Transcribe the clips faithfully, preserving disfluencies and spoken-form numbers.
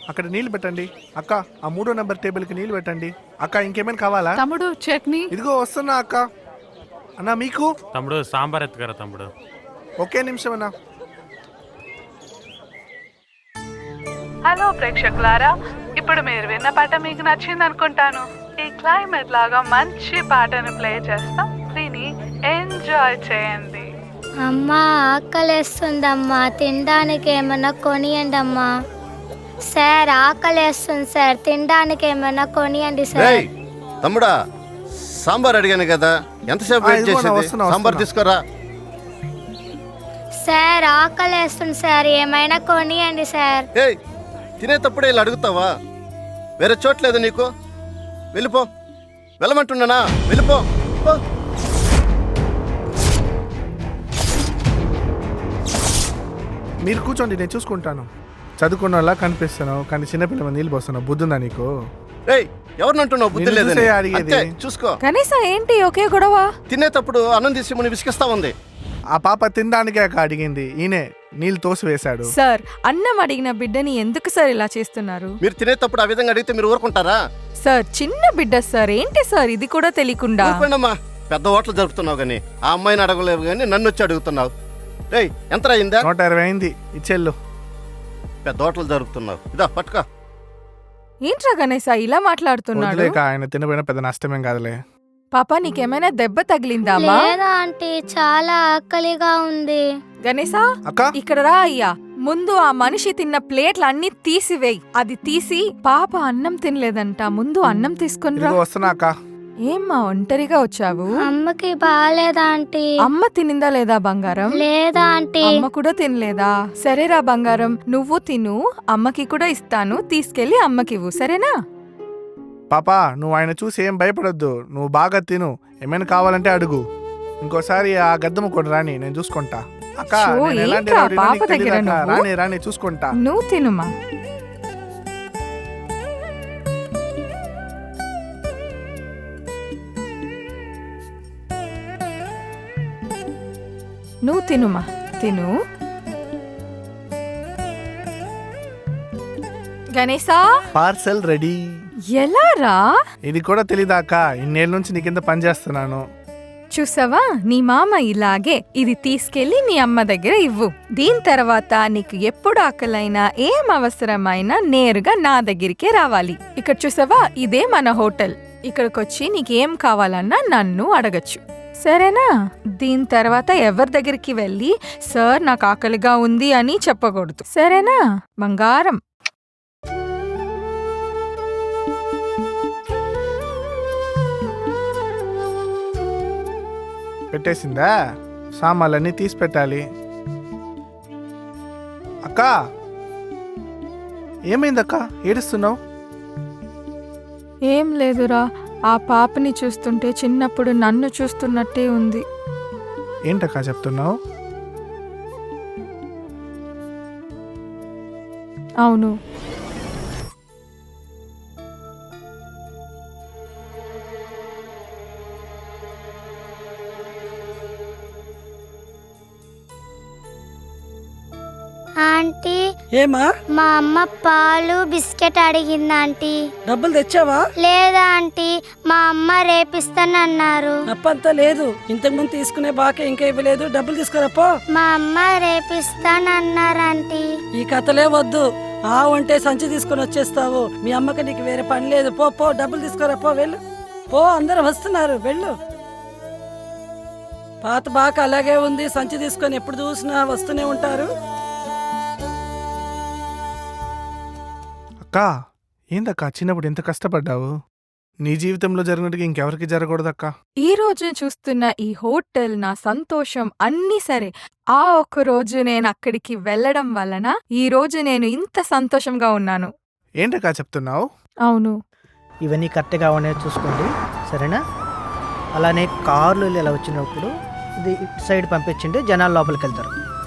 అక్కడ నీళ్లు పెట్టండి. అక్క ఆ మూడో నెంబర్ టేబుల్ కి నీళ్లు పెట్టండి. అక్క ఇంకేమైనా కావాలా? తమ్ముడు చట్నీ. ఇదిగో వస్తున్నా అక్క. అన్నా మీకు? తమ్ముడు సాంబార్ ఎత్తుకరా తమ్ముడు. ఒకే నిమిషం అన్నా. హలో ప్రేక్షకులారా, ఇప్పుడు మీరు విన్న పాట మీకు నచ్చింది అనుకుంటాను. ఈ క్లైమేట్ లాగా మంచి పాటను ప్లే చేస్తాం, విని ఎంజాయ్ చేయండి. అమ్మా ఆకలేస్తుందమ్మా, తినడానికి ఏమన్నా కొనియండి అమ్మా. సార్ ఆకలేస్తుంది సార్, తినడానికి ఏమన్నా కొనియండి సార్. రేయ్ తమ్ముడా, సాంబార్ అడిగాను కదా, ఎంతసేపు ఆ, వెయిట్ ఇదిగో నా చేసేది? వస్తున్నా, సాంబార్ వస్తున్నా. తీసుకోరా. సార్ ఆకలేస్తుంది సార్, ఏమైనా కొనియండి సార్. ఏయ్ తినేటప్పుడే ఇలా అడుగుతావా? వేరే చోట్లేదు నీకు? వెళ్ళిపో. వెళ్ళమంటున్నానా? వెళ్ళిపో. పో. మీరు కూర్చోండి, నేను చూసుకుంటాను. చదువుకున్నలా కనిపిస్తున్నావు కానీ చిన్నపిల్లల నీళ్ళు పోస్తున్నావు. బుద్ధుందా నీకు? రేయ్ ఎవరినంటున్నావు? బుద్ధి నిన్ను లేదని. చూసే అడిగేది. అంతే, చూసుకో. కనీసం ఏంటి ఒకే గొడవ? తినేటప్పుడు అన్నం తీసి ముని విసిగిస్తా ఉంది. ఆ పాప తినడానికే అక్క అడిగింది, ఈయనే నీళ్ళు తోసి వేశాడు. సార్, అన్నం అడిగిన బిడ్డని ఎందుకు సార్ ఇలా చేస్తున్నారు? మీరు తినేటప్పుడు ఆ విధంగా అడిగితే మీరు ఊరుకుంటారా? సార్ చిన్న బిడ్డ సార్, ఏంటి సార్ ఇది కూడా తెలియకుండా? ఊరుకోండమ్మా, పెద్ద ఓట్లు జరుపుతున్నావు కానీ ఆ అమ్మాయిని అడగలేవు కానీ నన్ను వచ్చి అడుగుతున్నావు. రేయ్ ఎంత అయిందా? నూట ఇరవై అయింది, ఇచ్చేళ్ళు. పెద్ద ఓట్లు జరుపుతున్నావు. ఇదా పట్టుకో. ఏంట్రా గణేశ ఇలా మాట్లాడుతున్నాడు? వదిలేక, ఆయన తినపోయినా పెద్ద నష్టమేం కాదులే. పాపా నీకేమైనా దెబ్బ తగిలిందా అమ్మా? లేదా ఆంటీ, చాలా ఆకలిగా ఉంది. గణేశ అక్క ఇక్కడ రా అయ్యా. ముందు ఆ మనిషి తిన్న ప్లేట్లు అన్ని తీసివేయి. అది తీసి, పాప అన్నం తినలేదంట, ముందు అన్నం తీసుకుని రా. ఇదిగో వస్తున్నా అక్క. ఏమ్మా ఒంటరిగా వచ్చావు? అమ్మకి బాగాలేదా ఆంటీ? అమ్మ తినిందా లేదా బంగారం? లేదా ఆంటీ. అమ్మ కూడా తినలేదా? సరేరా బంగారం, నువ్వు తిను, అమ్మకి కూడా ఇస్తాను, తీసుకెళ్లి అమ్మకివ్వు, సరేనా? పాపా నువ్వు ఆయన చూసి ఏం భయపడొద్దు, నువ్వు బాగా తిను, ఏమైనా కావాలంటే అడుగు. ఇంకోసారి ఆ గద్దమ్మ కూడా రాని, నేను చూసుకుంటా. అక్క షో, నేను ఎలాంటి ఏంట్రా రౌడీనో పాప నీకు తెలీదా దగ్గర అక్క? నువ్వు? రాని రాని చూసుకుంటా. నువ్వు తినుమా. నువ్వు తినుమా, తిను. Ganesha, parcel ready. ఎలా రా? ఇది కూడా తెలీదా అక్క? ఇన్నేళ్ళ నుంచి నీ కింద పనిచేస్తున్నాను. చూసావా, నీ మామ ఇలాగే. ఇది తీసుకెళ్లి మీ అమ్మ దగ్గర ఇవ్వు. దీని తర్వాత నీకు ఎప్పుడు ఆకలైనా ఏం అవసరమైనా నేరుగా నా దగ్గరికే రావాలి. ఇక్కడ చూసావా, ఇదే మన హోటల్. ఇక్కడికొచ్చి నీకేం కావాలన్నా నన్ను అడగచ్చు, సరేనా? దీని తర్వాత ఎవరి దగ్గరికి వెళ్ళి సార్ నాకు ఆకలిగా ఉంది అని చెప్పకూడదు, సరేనా బంగారం? పెట్టేసిందా? సామాన్లన్నీ తీసి పెట్టాలి. అక్క ఏమైందక్క, ఏడుస్తున్నావు? ఏం లేదురా, ఆ పాపని చూస్తుంటే చిన్నప్పుడు నన్ను చూస్తున్నట్టే ఉంది. ఏంటక్క చెప్తున్నావు? అవును. ఆంటీ, ఏమా మా అమ్మ పాలు బిస్కెట్ అడిగింది ఆంటీ. డబ్బులు తెచ్చావా? లేదా ఆంటీ, మా అమ్మ రేపిస్తానన్నారు. అప్పంతా లేదు, ఇంతకు ముందు తీసుకునే బాకే ఇంకా ఇవ్వలేదు. డబ్బులు తీసుకురాపో. మా అమ్మ రేపిస్తానన్నారు ఆంటీ. ఈ కథలే వద్దు. ఆ ఉంటే సంచి తీసుకుని వచ్చేస్తావు. మీ అమ్మకి నీకు వేరే పని లేదు. పో పో, డబ్బులు తీసుకురాపో, వెళ్ళు. పో, అందరూ వస్తున్నారు, వెళ్ళు. పాత బాక అలాగే ఉంది. సంచి తీసుకొని ఎప్పుడు చూసినా వస్తూనే ఉంటారు. అక్క ఏందక్క చిన్నప్పుడు ఎంత కష్టపడ్డావు? నీ జీవితంలో జరిగినట్టుగా ఇంకెవరికి జరగకూడదక్క. ఈ రోజు చూస్తున్న ఈ హోటల్, నా సంతోషం అన్నీ సరే. ఆ ఒక్క రోజు నేను అక్కడికి వెళ్ళడం వలన ఈ రోజు నేను ఇంత సంతోషంగా ఉన్నాను. ఏంటక్క చెప్తున్నావు? అవును. ఇవన్నీ కరెక్ట్గా ఉన్నాయో చూసుకోండి, సరేనా? అలానే కార్లు ఇలా వచ్చినప్పుడు ఇది ఇటు సైడ్ పంపించండి, జనాలు లోపలికి వెళ్తారు.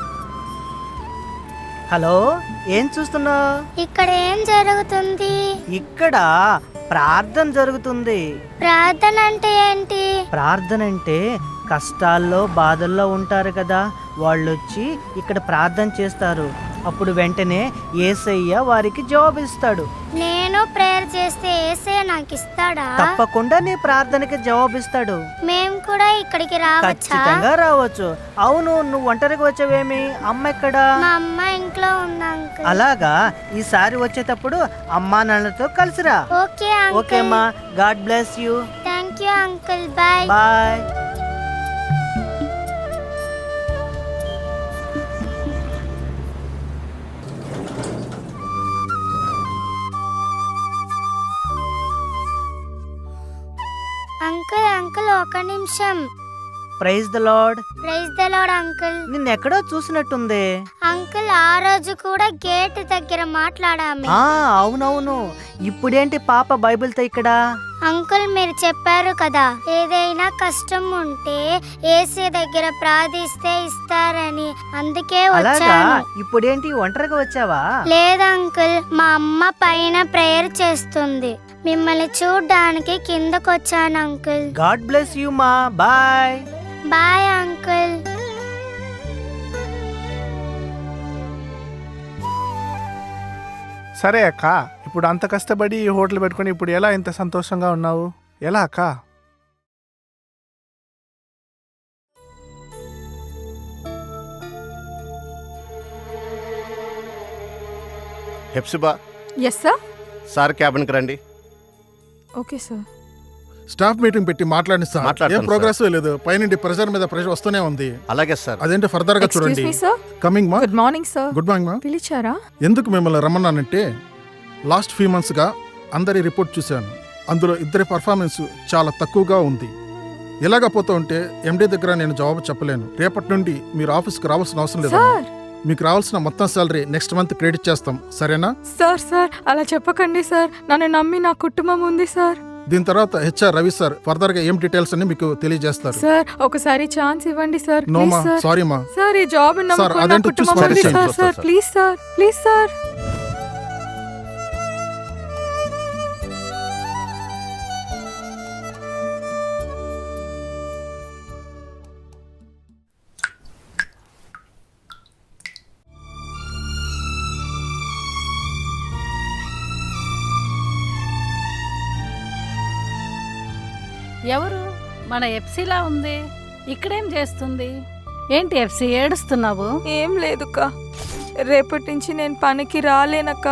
హలో, ఏం చూస్తున్నావు? ఇక్కడ ఏం జరుగుతుంది? ఇక్కడ ప్రార్థన జరుగుతుంది. ప్రార్థన అంటే ఏంటి? ప్రార్థన అంటే కష్టాల్లో బాధల్లో ఉంటారు కదా, వాళ్ళు వచ్చి ఇక్కడ ప్రార్థన చేస్తారు. అప్పుడు వెంటనే యేసయ్య వారికి జవాబు ఇస్తాడు. నేను ప్రేయర్ చేస్తే ఏసే నాకు ఇస్తాడా? తప్పకుండా నీ ప్రార్థనకి జవాబు ఇస్తాడు. మేము కూడా ఇక్కడికి రావచ్చా? ఖచ్చితంగా రావచ్చు. అవును, నువ్వు ఒంటరికి వచ్చావేమి? అమ్మ ఎక్కడా? మా అమ్మ ఇంట్లో ఉంది అంకుల్. అలాగా, ఈసారి వచ్చేటప్పుడు అమ్మా నాన్నలతో కలిసిరా. Okay okay uncle. అమ్మా, God bless you. Thank you uncle. Bye. Bye. Uncle uncle ఒక నిమిషం. Praise the Lord. Praise the Lord uncle. నిన్నెక్కడో చూసినట్టుంది. అంకుల్ ఆ రోజు కూడా గేట్ దగ్గర మాట్లాడాము. ఆ అవునవును. ఇప్పుడేంటి పాప బైబిల్తో ఇక్కడ? అంకుల్ మీరు చెప్పారు కదా, ఏదైనా కష్టం ఉంటే ఏసీ దగ్గర ప్రార్థిస్తే ఇస్తారని, అందుకే అలాగా, వచ్చాను. ఇప్పుడేంటి ఒంటరిగా వచ్చావా? లేదు అంకుల్, మా అమ్మ పైన ప్రేయర్ చేస్తుంది. మిమ్మల్ని చూడ్డానికి కిందకు వచ్చాను అంకుల్. గాడ్ బ్లెస్ యూ మా. బాయ్. Bye uncle. సరే అక్క, ఇప్పుడు అంత కష్టపడి ఈ హోటల్ పెట్టుకొని ఇప్పుడు ఎలా ఇంత సంతోషంగా ఉన్నావు? ఎలా అక్క? Hepsiba, yes sir. సార్ క్యాబిన్కి రండి. Okay sir. స్టాఫ్ మీటింగ్ పెట్టి మాట్లాడి సార్. మాట్లాడతాను ఏం ప్రోగ్రెస్ లేదు. పైనుండి ప్రెషర్ మీద ప్రెషర్ వస్తూనే ఉంది. అలాగే సార్. అదేంటి ఫర్దర్ గా ఎక్స్క్యూజ్ చూడండి. మీ సార్. కమింగ్ మా. Good morning sir. Good morning మా. పిలిచారా? ఎందుకు మిమ్మల్ని రమ్మన్నానంటే, లాస్ట్ ఫ్యూ మంత్స్ గా అందరి రిపోర్ట్ చూశాను. అందులో ఇద్దరి పర్ఫార్మెన్స్ చాలా తక్కువగా ఉంది. ఇలాగా పోతూ ఉంటే ఎండీ దగ్గర నేను జవాబు చెప్పలేను. రేపటి నుండి మీరు ఆఫీస్కి రావాల్సిన అవసరం లేదు. సార్ మీకు రావాల్సిన మొత్తం సాలరీ నెక్స్ట్ మంత్ క్రెడిట్ చేస్తాం, సరేనా? సార్ సార్ అలా చెప్పకండి సార్. నన్ను నమ్మి నా కుటుంబం ఉంది సార్. దీని తర్వాత హెచ్ఆర్ రవి సార్ ఫర్దర్ గా ఏం డీటెయిల్స్ అని మీకు తెలియజేస్తారు. సార్ ఒకసారి ఛాన్స్ ఇవ్వండి సార్. నో ప్లీజ్ మా, సార్. సారీ మా. సార్ ఈ జాబ్ సార్, నమ్ముకుని నా అదేంటో కుటుంబం చూసి ఉంది మాట్లాడండి. Sir. Sir sir. Please sir, please sir. ఎవరు? మన ఎఫ్సీలా ఉంది. ఇక్కడేం చేస్తుంది? ఏంటి ఎఫ్సీ ఏడుస్తున్నావు? ఏం లేదుక్క, రేపటి నుంచి నేను పనికి రాలేనక్క.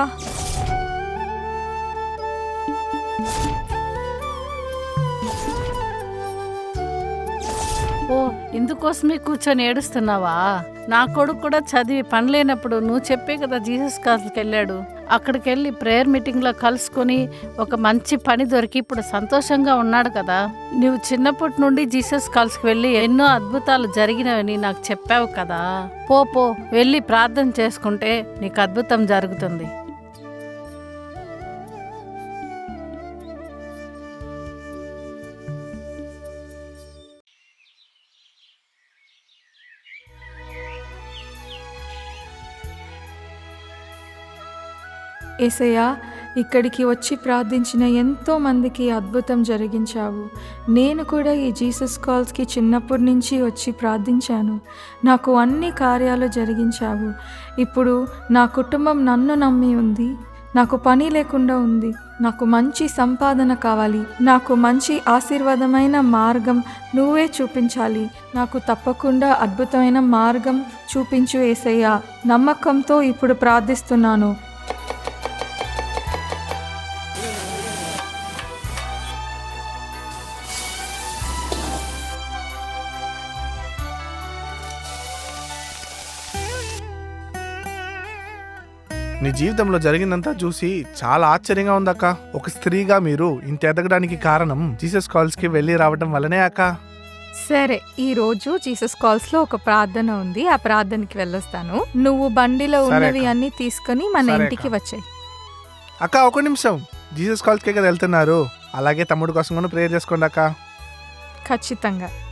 ఓ ఇందుకోసమే కూర్చొని ఏడుస్తున్నావా? నా కొడుకు కూడా చదివి పని లేనప్పుడు నువ్వు చెప్పే కదా జీసస్ కాల్స్కి వెళ్ళాడు. అక్కడికి వెళ్ళి ప్రేయర్ మీటింగ్లో కలుసుకొని ఒక మంచి పని దొరికి ఇప్పుడు సంతోషంగా ఉన్నాడు కదా. నువ్వు చిన్నప్పటి నుండి జీసస్ కాల్స్కి వెళ్ళి ఎన్నో అద్భుతాలు జరిగినవని నాకు చెప్పావు కదా. పో పో వెళ్ళి ప్రార్థన చేసుకుంటే నీకు అద్భుతం జరుగుతుంది. యేసయ్యా, ఇక్కడికి వచ్చి ప్రార్థించిన ఎంతో మందికి అద్భుతం జరిగించావు. నేను కూడా ఈ జీసస్ కాల్స్కి చిన్నప్పటి నుంచి వచ్చి ప్రార్థించాను. నాకు అన్ని కార్యాలు జరిగించావు. ఇప్పుడు నా కుటుంబం నన్ను నమ్మి ఉంది. నాకు పని లేకుండా ఉంది. నాకు మంచి సంపాదన కావాలి. నాకు మంచి ఆశీర్వాదమైన మార్గం నువ్వే చూపించాలి. నాకు తప్పకుండా అద్భుతమైన మార్గం చూపించు యేసయ్యా. నమ్మకంతో ఇప్పుడు ప్రార్థిస్తున్నాను. నీ జీవితంలో జరిగిందంతా చూసి చాలా ఆశ్చర్యంగా ఉందక్క. ఒక స్త్రీగా మీరు ఇంత ఎదగడానికి కారణం జీసస్ కాల్స్ కి వెళ్ళి రావడం వల్లనే అక్క. సరే, ఈ రోజు జీసస్ కాల్స్ లో ఒక ప్రార్థన ఉంది. ఆ ప్రార్థనకి వెళ్ళొస్తాను. నువ్వు బండిలో సరే ఉన్నవి అక్క. అన్ని తీసుకుని మన సరే ఇంటికి అక్క. వచ్చాయి. అక్క ఒక నిమిషం, జీసస్ కాల్స్ కే కదా వెళ్తున్నారు, అలాగే తమ్ముడు కోసం కూడా ప్రేయర్ చేసుకోండి అక్క. ఖచ్చితంగా.